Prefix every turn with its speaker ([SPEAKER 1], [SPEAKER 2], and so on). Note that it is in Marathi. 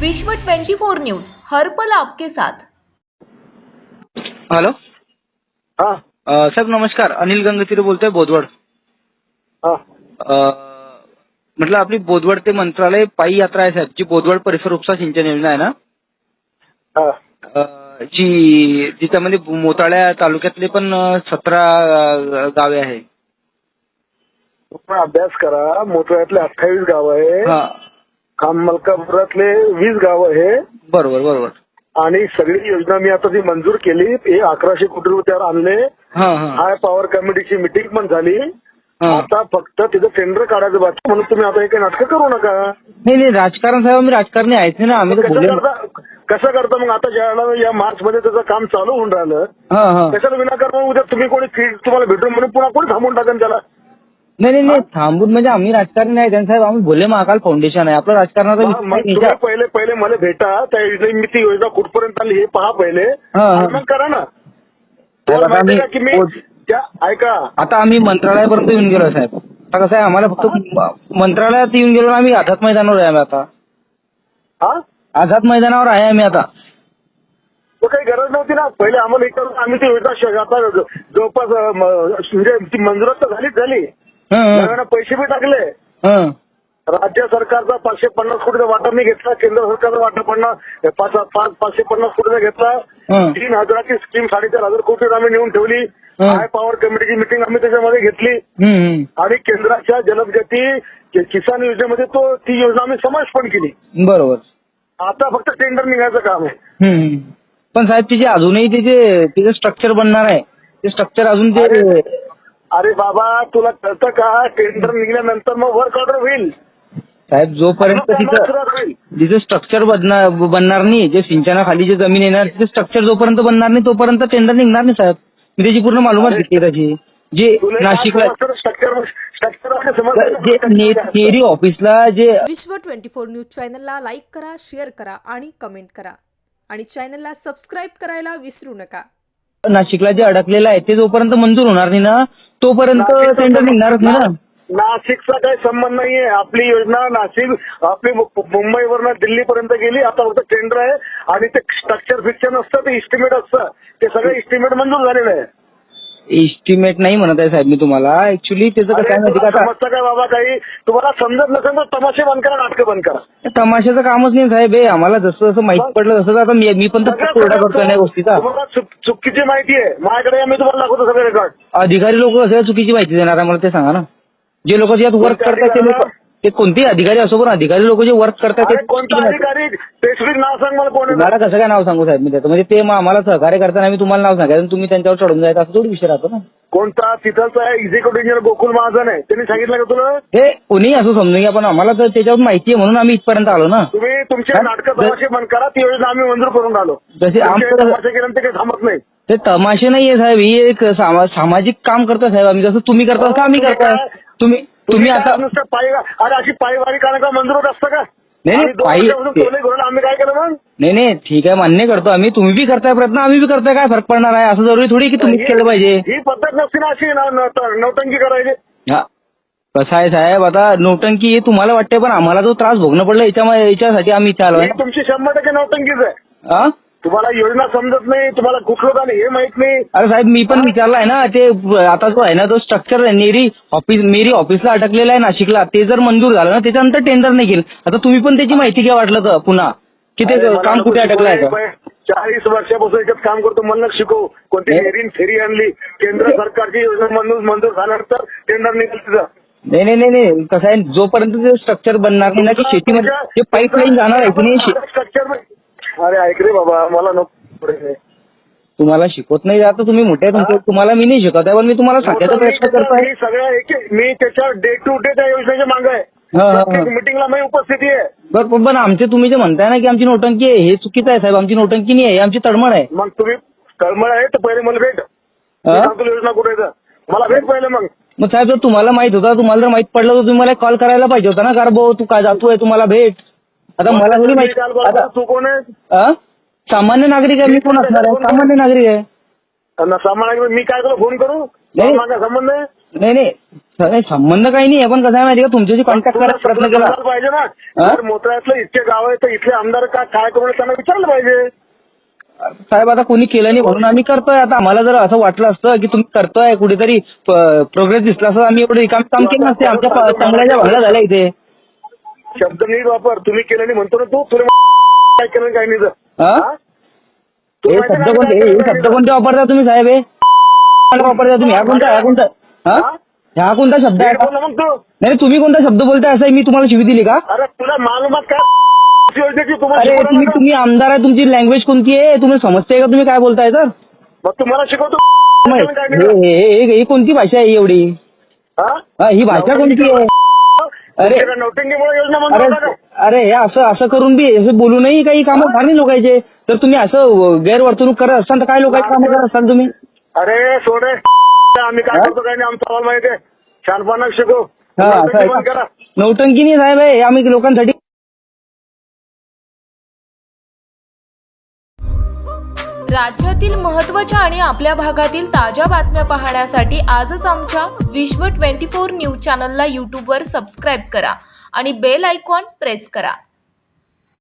[SPEAKER 1] विश्व 24 न्यूज हर पल आपके साथ।
[SPEAKER 2] हॅलो
[SPEAKER 3] हा
[SPEAKER 2] साहेब नमस्कार, अनिल गंगतीरे बोलतोय बोदवड.
[SPEAKER 3] हा
[SPEAKER 2] म्हटलं आपली बोदवड ते मंत्रालय पायी यात्रा आहे साहेब, जी बोदवड परिसर उपसा सिंचन योजना आहे ना,
[SPEAKER 3] हा
[SPEAKER 2] जी जिच्यामध्ये मोताळ्या तालुक्यातले पण 17 गावे आहे.
[SPEAKER 3] तुम्ही अभ्यास करा. मोठ्यातले 28 गाव आहे,
[SPEAKER 2] हा
[SPEAKER 3] मलकापुरातले 20 गाव आहे
[SPEAKER 2] बरोबर बरोबर.
[SPEAKER 3] आणि सगळी योजना मी आता जी मंजूर केली हे 1100 कोटी रुपयावर आणले.
[SPEAKER 2] हा हा
[SPEAKER 3] हाय पॉवर कमिटीची मिटिंग पण झाली.
[SPEAKER 2] हा.
[SPEAKER 3] आता फक्त तिथं टेंडर काढायचं बाकी, म्हणून तुम्ही आता हे काही नाटकं करू नका.
[SPEAKER 2] नाही नाही राजकारण साहेब, आम्ही राजकारणी आहेच नाही ना, आम्ही तर बोलले.
[SPEAKER 3] कसं करता मग आता ज्याला या मार्च मध्ये त्याचं काम चालू होऊन राहिलं
[SPEAKER 2] हा हा.
[SPEAKER 3] त्याच्याला विनाकारण उद्या तुम्ही कोणी फीड तुम्हाला भेटून म्हणून पुन्हा कोणी थांबून टाकेल त्याला.
[SPEAKER 2] नाही नाही नाही थांबून म्हणजे आम्ही राजकारणी नाही साहेब, आम्ही भोले महाकाल फाउंडेशन आहे, आपलं राजकारणाचा
[SPEAKER 3] मग तुम्ही पहिले मला भेटा, त्या योजने ती योजना कुठपर्यंत आली हे पहा पहिले, मग करा ना. तुम्हाला माहिती आहे का की मी त्या ऐका,
[SPEAKER 2] आता आम्ही मंत्रालयापर्यंत येऊन गेलो साहेब. आता कसं आहे, आम्हाला फक्त मंत्रालयात येऊन गेलो, आम्ही आझाद मैदानावर आहे. आम्ही आता
[SPEAKER 3] हा
[SPEAKER 2] आझाद मैदानावर आहे आम्ही आता.
[SPEAKER 3] तो काही गरज नव्हती ना. पहिले आम्हाला हे करून आम्ही ती योजना आता जवळपास म्हणजे ती मंजुरात तर झाली. नव्यानं पैसे बी टाकले. राज्य सरकारचा 550 कोटीचा वाटा मी घेतला, केंद्र सरकारचा वाटा 550 कोटीचा घेतला. 3,000ची स्कीम 4,500 कोटी आम्ही नेऊन ठेवली. हाय पॉवर कमिटीची मिटिंग आम्ही त्याच्यामध्ये घेतली आणि केंद्राच्या जलदगती किसान योजनेमध्ये ती योजना आम्ही समावेश पण केली.
[SPEAKER 2] बरोबर.
[SPEAKER 3] आता फक्त टेंडर निघायचं काम आहे.
[SPEAKER 2] पण साहेब तिचे अजूनही तिचे स्ट्रक्चर बनणार आहे, ते स्ट्रक्चर अजून ते.
[SPEAKER 3] अरे बाबा तुला कळतं का, टेंडर निघाल्यानंतर मग वर्क ऑर्डर होईल
[SPEAKER 2] साहेब. जोपर्यंत तिचं स्ट्रक्चर बनणार नाही, जे सिंचनाखाली जे जमीन येणार तिथे स्ट्रक्चर जोपर्यंत बनणार नाही तोपर्यंत टेंडर निघणार नाही साहेब. मी त्याची पूर्ण मालूमात घेतली त्याची. जे नाशिकला नेरी ऑफिसला जे
[SPEAKER 1] विश्व 24 न्यूज चॅनलला लाईक करा, शेअर करा आणि कमेंट करा आणि चॅनलला सबस्क्राईब करायला विसरू नका.
[SPEAKER 2] नाशिकला जे अडकलेलं आहे ते जोपर्यंत मंजूर होणार नाही ना तोपर्यंत टेंडर निघणारच नाही ना.
[SPEAKER 3] नाशिकचा काही संबंध नाहीये. आपली योजना नाशिक आपली मुंबईवरनं दिल्लीपर्यंत गेली. आता फक्त टेंडर आहे आणि ते स्ट्रक्चर फिक्चर नसतं, ते इस्टिमेट असतं. ते सगळं इस्टिमेट मंजूर झालेलं आहे.
[SPEAKER 2] एस्टिमेट नाही म्हणत आहे साहेब मी तुम्हाला. ऍक्च्युली त्याचं कसं आहे माहिती का,
[SPEAKER 3] समजतं काय बाबा, काही तुम्हाला समजत नसेल तर तमाशे बंद करा, नाटकं बंद करा.
[SPEAKER 2] तमाशाचं कामच नाही साहेब हे. आम्हाला जसं जसं माहिती पडलं तसं आता मी पण तर कोरडा करतोय या गोष्टीचा.
[SPEAKER 3] तुम्हाला चुकीची माहिती आहे. माझ्याकडे मी तुम्हाला दाखवतो सगळे रेकॉर्ड.
[SPEAKER 2] अधिकारी लोक कसं चुकीची माहिती देणार आहे मला ते सांगा ना. जे लोक यात वर्क करतात ते लोक, ते कोणतेही अधिकारी असो, पण अधिकारी लोक जे वर्क करतात ते
[SPEAKER 3] कोणता अधिकारी स्पेसिफिक नाव सांग मला कोण.
[SPEAKER 2] मला कसं काय नाव सांगू साहेब मी त्याचं, म्हणजे ते आम्हाला सहकार्य करताना मी तुम्हाला नाव सांगायचं तुम्ही त्यांच्यावर चढून जायचं असं थोडी विषय राहतो ना.
[SPEAKER 3] कोणता तिथलचा एक्झिक्युटिव्ह इंजिनियर गोकुल महाजन आहे, त्यांनी सांगितलं का तुला?
[SPEAKER 2] हे कोणीही असं समजून घ्या, पण आम्हाला तर त्याच्यावर माहिती आहे म्हणून आम्ही इथपर्यंत आलो ना.
[SPEAKER 3] तुम्ही तुमचे नाटकं तमाशे बंद करा. ती योजना आम्ही मंजूर करून आलो.
[SPEAKER 2] जसे
[SPEAKER 3] तमाशे केल्यानंतर काही थांबत नाही.
[SPEAKER 2] ते तमाशे नाहीये साहेब, ही एक सामाजिक काम करता साहेब आम्ही. जसं तुम्ही करता का आम्ही करताय. तुम्ही आता
[SPEAKER 3] नुसतं पायी, अरे अशी पायीवारी का मंजूर होत असतं का?
[SPEAKER 2] नाही पायी
[SPEAKER 3] आम्ही काय केलं मग?
[SPEAKER 2] नाही ठीक आहे, मान्य करतो आम्ही. तुम्ही बी करताय प्रयत्न, आम्ही बी करताय. काय फरक पडणार आहे? असं जरुरी थोडी की तुम्हीच केलं पाहिजे.
[SPEAKER 3] ही पद्धत नसते ना अशी नौटंकी करायची.
[SPEAKER 2] हा कसं आहे साहेब, आता नौटंकी तुम्हाला वाटते, पण आम्हाला जो त्रास भोगणं पडलं याच्यासाठी आम्ही इथे आलोय.
[SPEAKER 3] तुमची 100% नौटंकीच आहे.
[SPEAKER 2] हा
[SPEAKER 3] तुम्हाला योजना समजत नाही, तुम्हाला कुठलं का नाही हे माहित नाही.
[SPEAKER 2] अरे साहेब मी पण विचारलं आहे ना, ते आता जो आहे ना तो स्ट्रक्चर मेरी ऑफिसला अटकलेला आहे नाशिकला, ते जर मंजूर झालं ना त्याच्यानंतर टेंडर नाही केलं. आता तुम्ही पण त्याची माहिती घ्या वाटलं तर पुन्हा की ते काम कुठे अटकलं आहे.
[SPEAKER 3] 40 वर्षापासून याच्यात काम करतो, मला शिकवू. कोणती फेरी आणली केंद्र सरकारची योजना मंजूर झाल्यानंतर टेंडर निघेल तिथं.
[SPEAKER 2] नाही कसं आहे, जोपर्यंत ते स्ट्रक्चर बनणार नाही ना की शेतीमध्ये पाईपलाईन जाणार आहे की नाही.
[SPEAKER 3] स्ट्रक्चर अरे ऐक रे बाबा, मला नको.
[SPEAKER 2] तुम्हाला शिकवत नाही आता, तुम्ही मोठे तुम्हाला मी नाही शिकवत आहे, पण मी तुम्हाला सांगायचा प्रयत्न करतोय.
[SPEAKER 3] सगळं मी त्याच्या डे टू डे त्या योजनेच्या मागे आहे. मिटिंगला मी उपस्थिती आहे.
[SPEAKER 2] बरं पण आमचे तुम्ही जे म्हणताय ना की आमची नोटंकी आहे, हे चुकीचं आहे साहेब. आमची नोटंकी नाही आहे, आमची तळमळ आहे.
[SPEAKER 3] मग तुम्ही तळमळ आहे तर पहिले मला भेट. सांगतो योजना कुठे आहे मला भेट पहिले. मग
[SPEAKER 2] साहेब जर तुम्हाला माहित होता, तुम्हाला जर माहित पडलं तर तुम्ही मला कॉल करायला पाहिजे होता ना. कारण भाऊ तू काय जातोय, तुम्हाला भेट. आता मला थोडी माहिती.
[SPEAKER 3] तू कोण आहे?
[SPEAKER 2] सामान्य नागरिक आहे. मी कोण असणार आहे? सामान्य नागरिक आहे.
[SPEAKER 3] सामान्य मी काय तुला फोन करू? माझा संबंध आहे?
[SPEAKER 2] नाही नाही, संबंध काही नाही. आपण कसं आहे माहिती का, तुमच्याशी कॉन्टॅक्ट करायचा प्रयत्न केला
[SPEAKER 3] समजायला पाहिजे ना. जर मोताळ्यातलं इतके गाव आहे तर इथले आमदार काय करून त्यांना विचारलं पाहिजे.
[SPEAKER 2] साहेब. आता कोणी केलं नाही म्हणून आम्ही करतोय. आता आम्हाला जर असं वाटलं असतं की तुम्ही करतोय कुठेतरी प्रोग्रेस दिसला असं, आम्ही एवढं काम केलं नसते. आमच्या चांगल्या भागला झाल्या इथे.
[SPEAKER 3] शब्द नीट वापर. तुम्ही केलं नाही म्हणतो ना तू, तुला काय केलं काय नाही तर.
[SPEAKER 2] हे शब्द कोणते वापरता तुम्ही साहेब? हे वापरता तुम्ही? ह्या कोणता ह्या कोणता शब्द आहे?
[SPEAKER 3] मग तू
[SPEAKER 2] नाही, तुम्ही कोणता शब्द बोलताय असं मी तुम्हाला शिवी दिली का?
[SPEAKER 3] अरे तुला मालूमात काय
[SPEAKER 2] अरे तुम्ही आमदार आहे, तुमची लँग्वेज कोणती आहे? तुम्ही समजताय का तुम्ही काय बोलताय? तर
[SPEAKER 3] मग तुम्हाला शिकवतो
[SPEAKER 2] हे कोणती भाषा आहे एवढी? ही भाषा कोणती आहे? अरे अरे हे असं करून बी असं बोलू नाही, काही कामं फार नाही लोकांचे. तर तुम्ही असं गैरवर्तणूक करत असाल तर काय लोकांची कामं करत असाल तुम्ही?
[SPEAKER 3] अरे सोडे, आम्ही काय करतो काय नाही आमचा आम्हाला माहिती आहे. छानपणा शिकू.
[SPEAKER 2] नौटंकी नाही साहेब आहे, आम्ही लोकांसाठी.
[SPEAKER 4] राज्यातील महत्त्वाच्या आणि आपल्या भागातील ताज्या बातम्या पाहण्यासाठी आजच आमच्या विश्व 24 न्यूज चॅनलला यूट्यूबवर सबस्क्राईब करा आणि बेल आयकॉन प्रेस करा.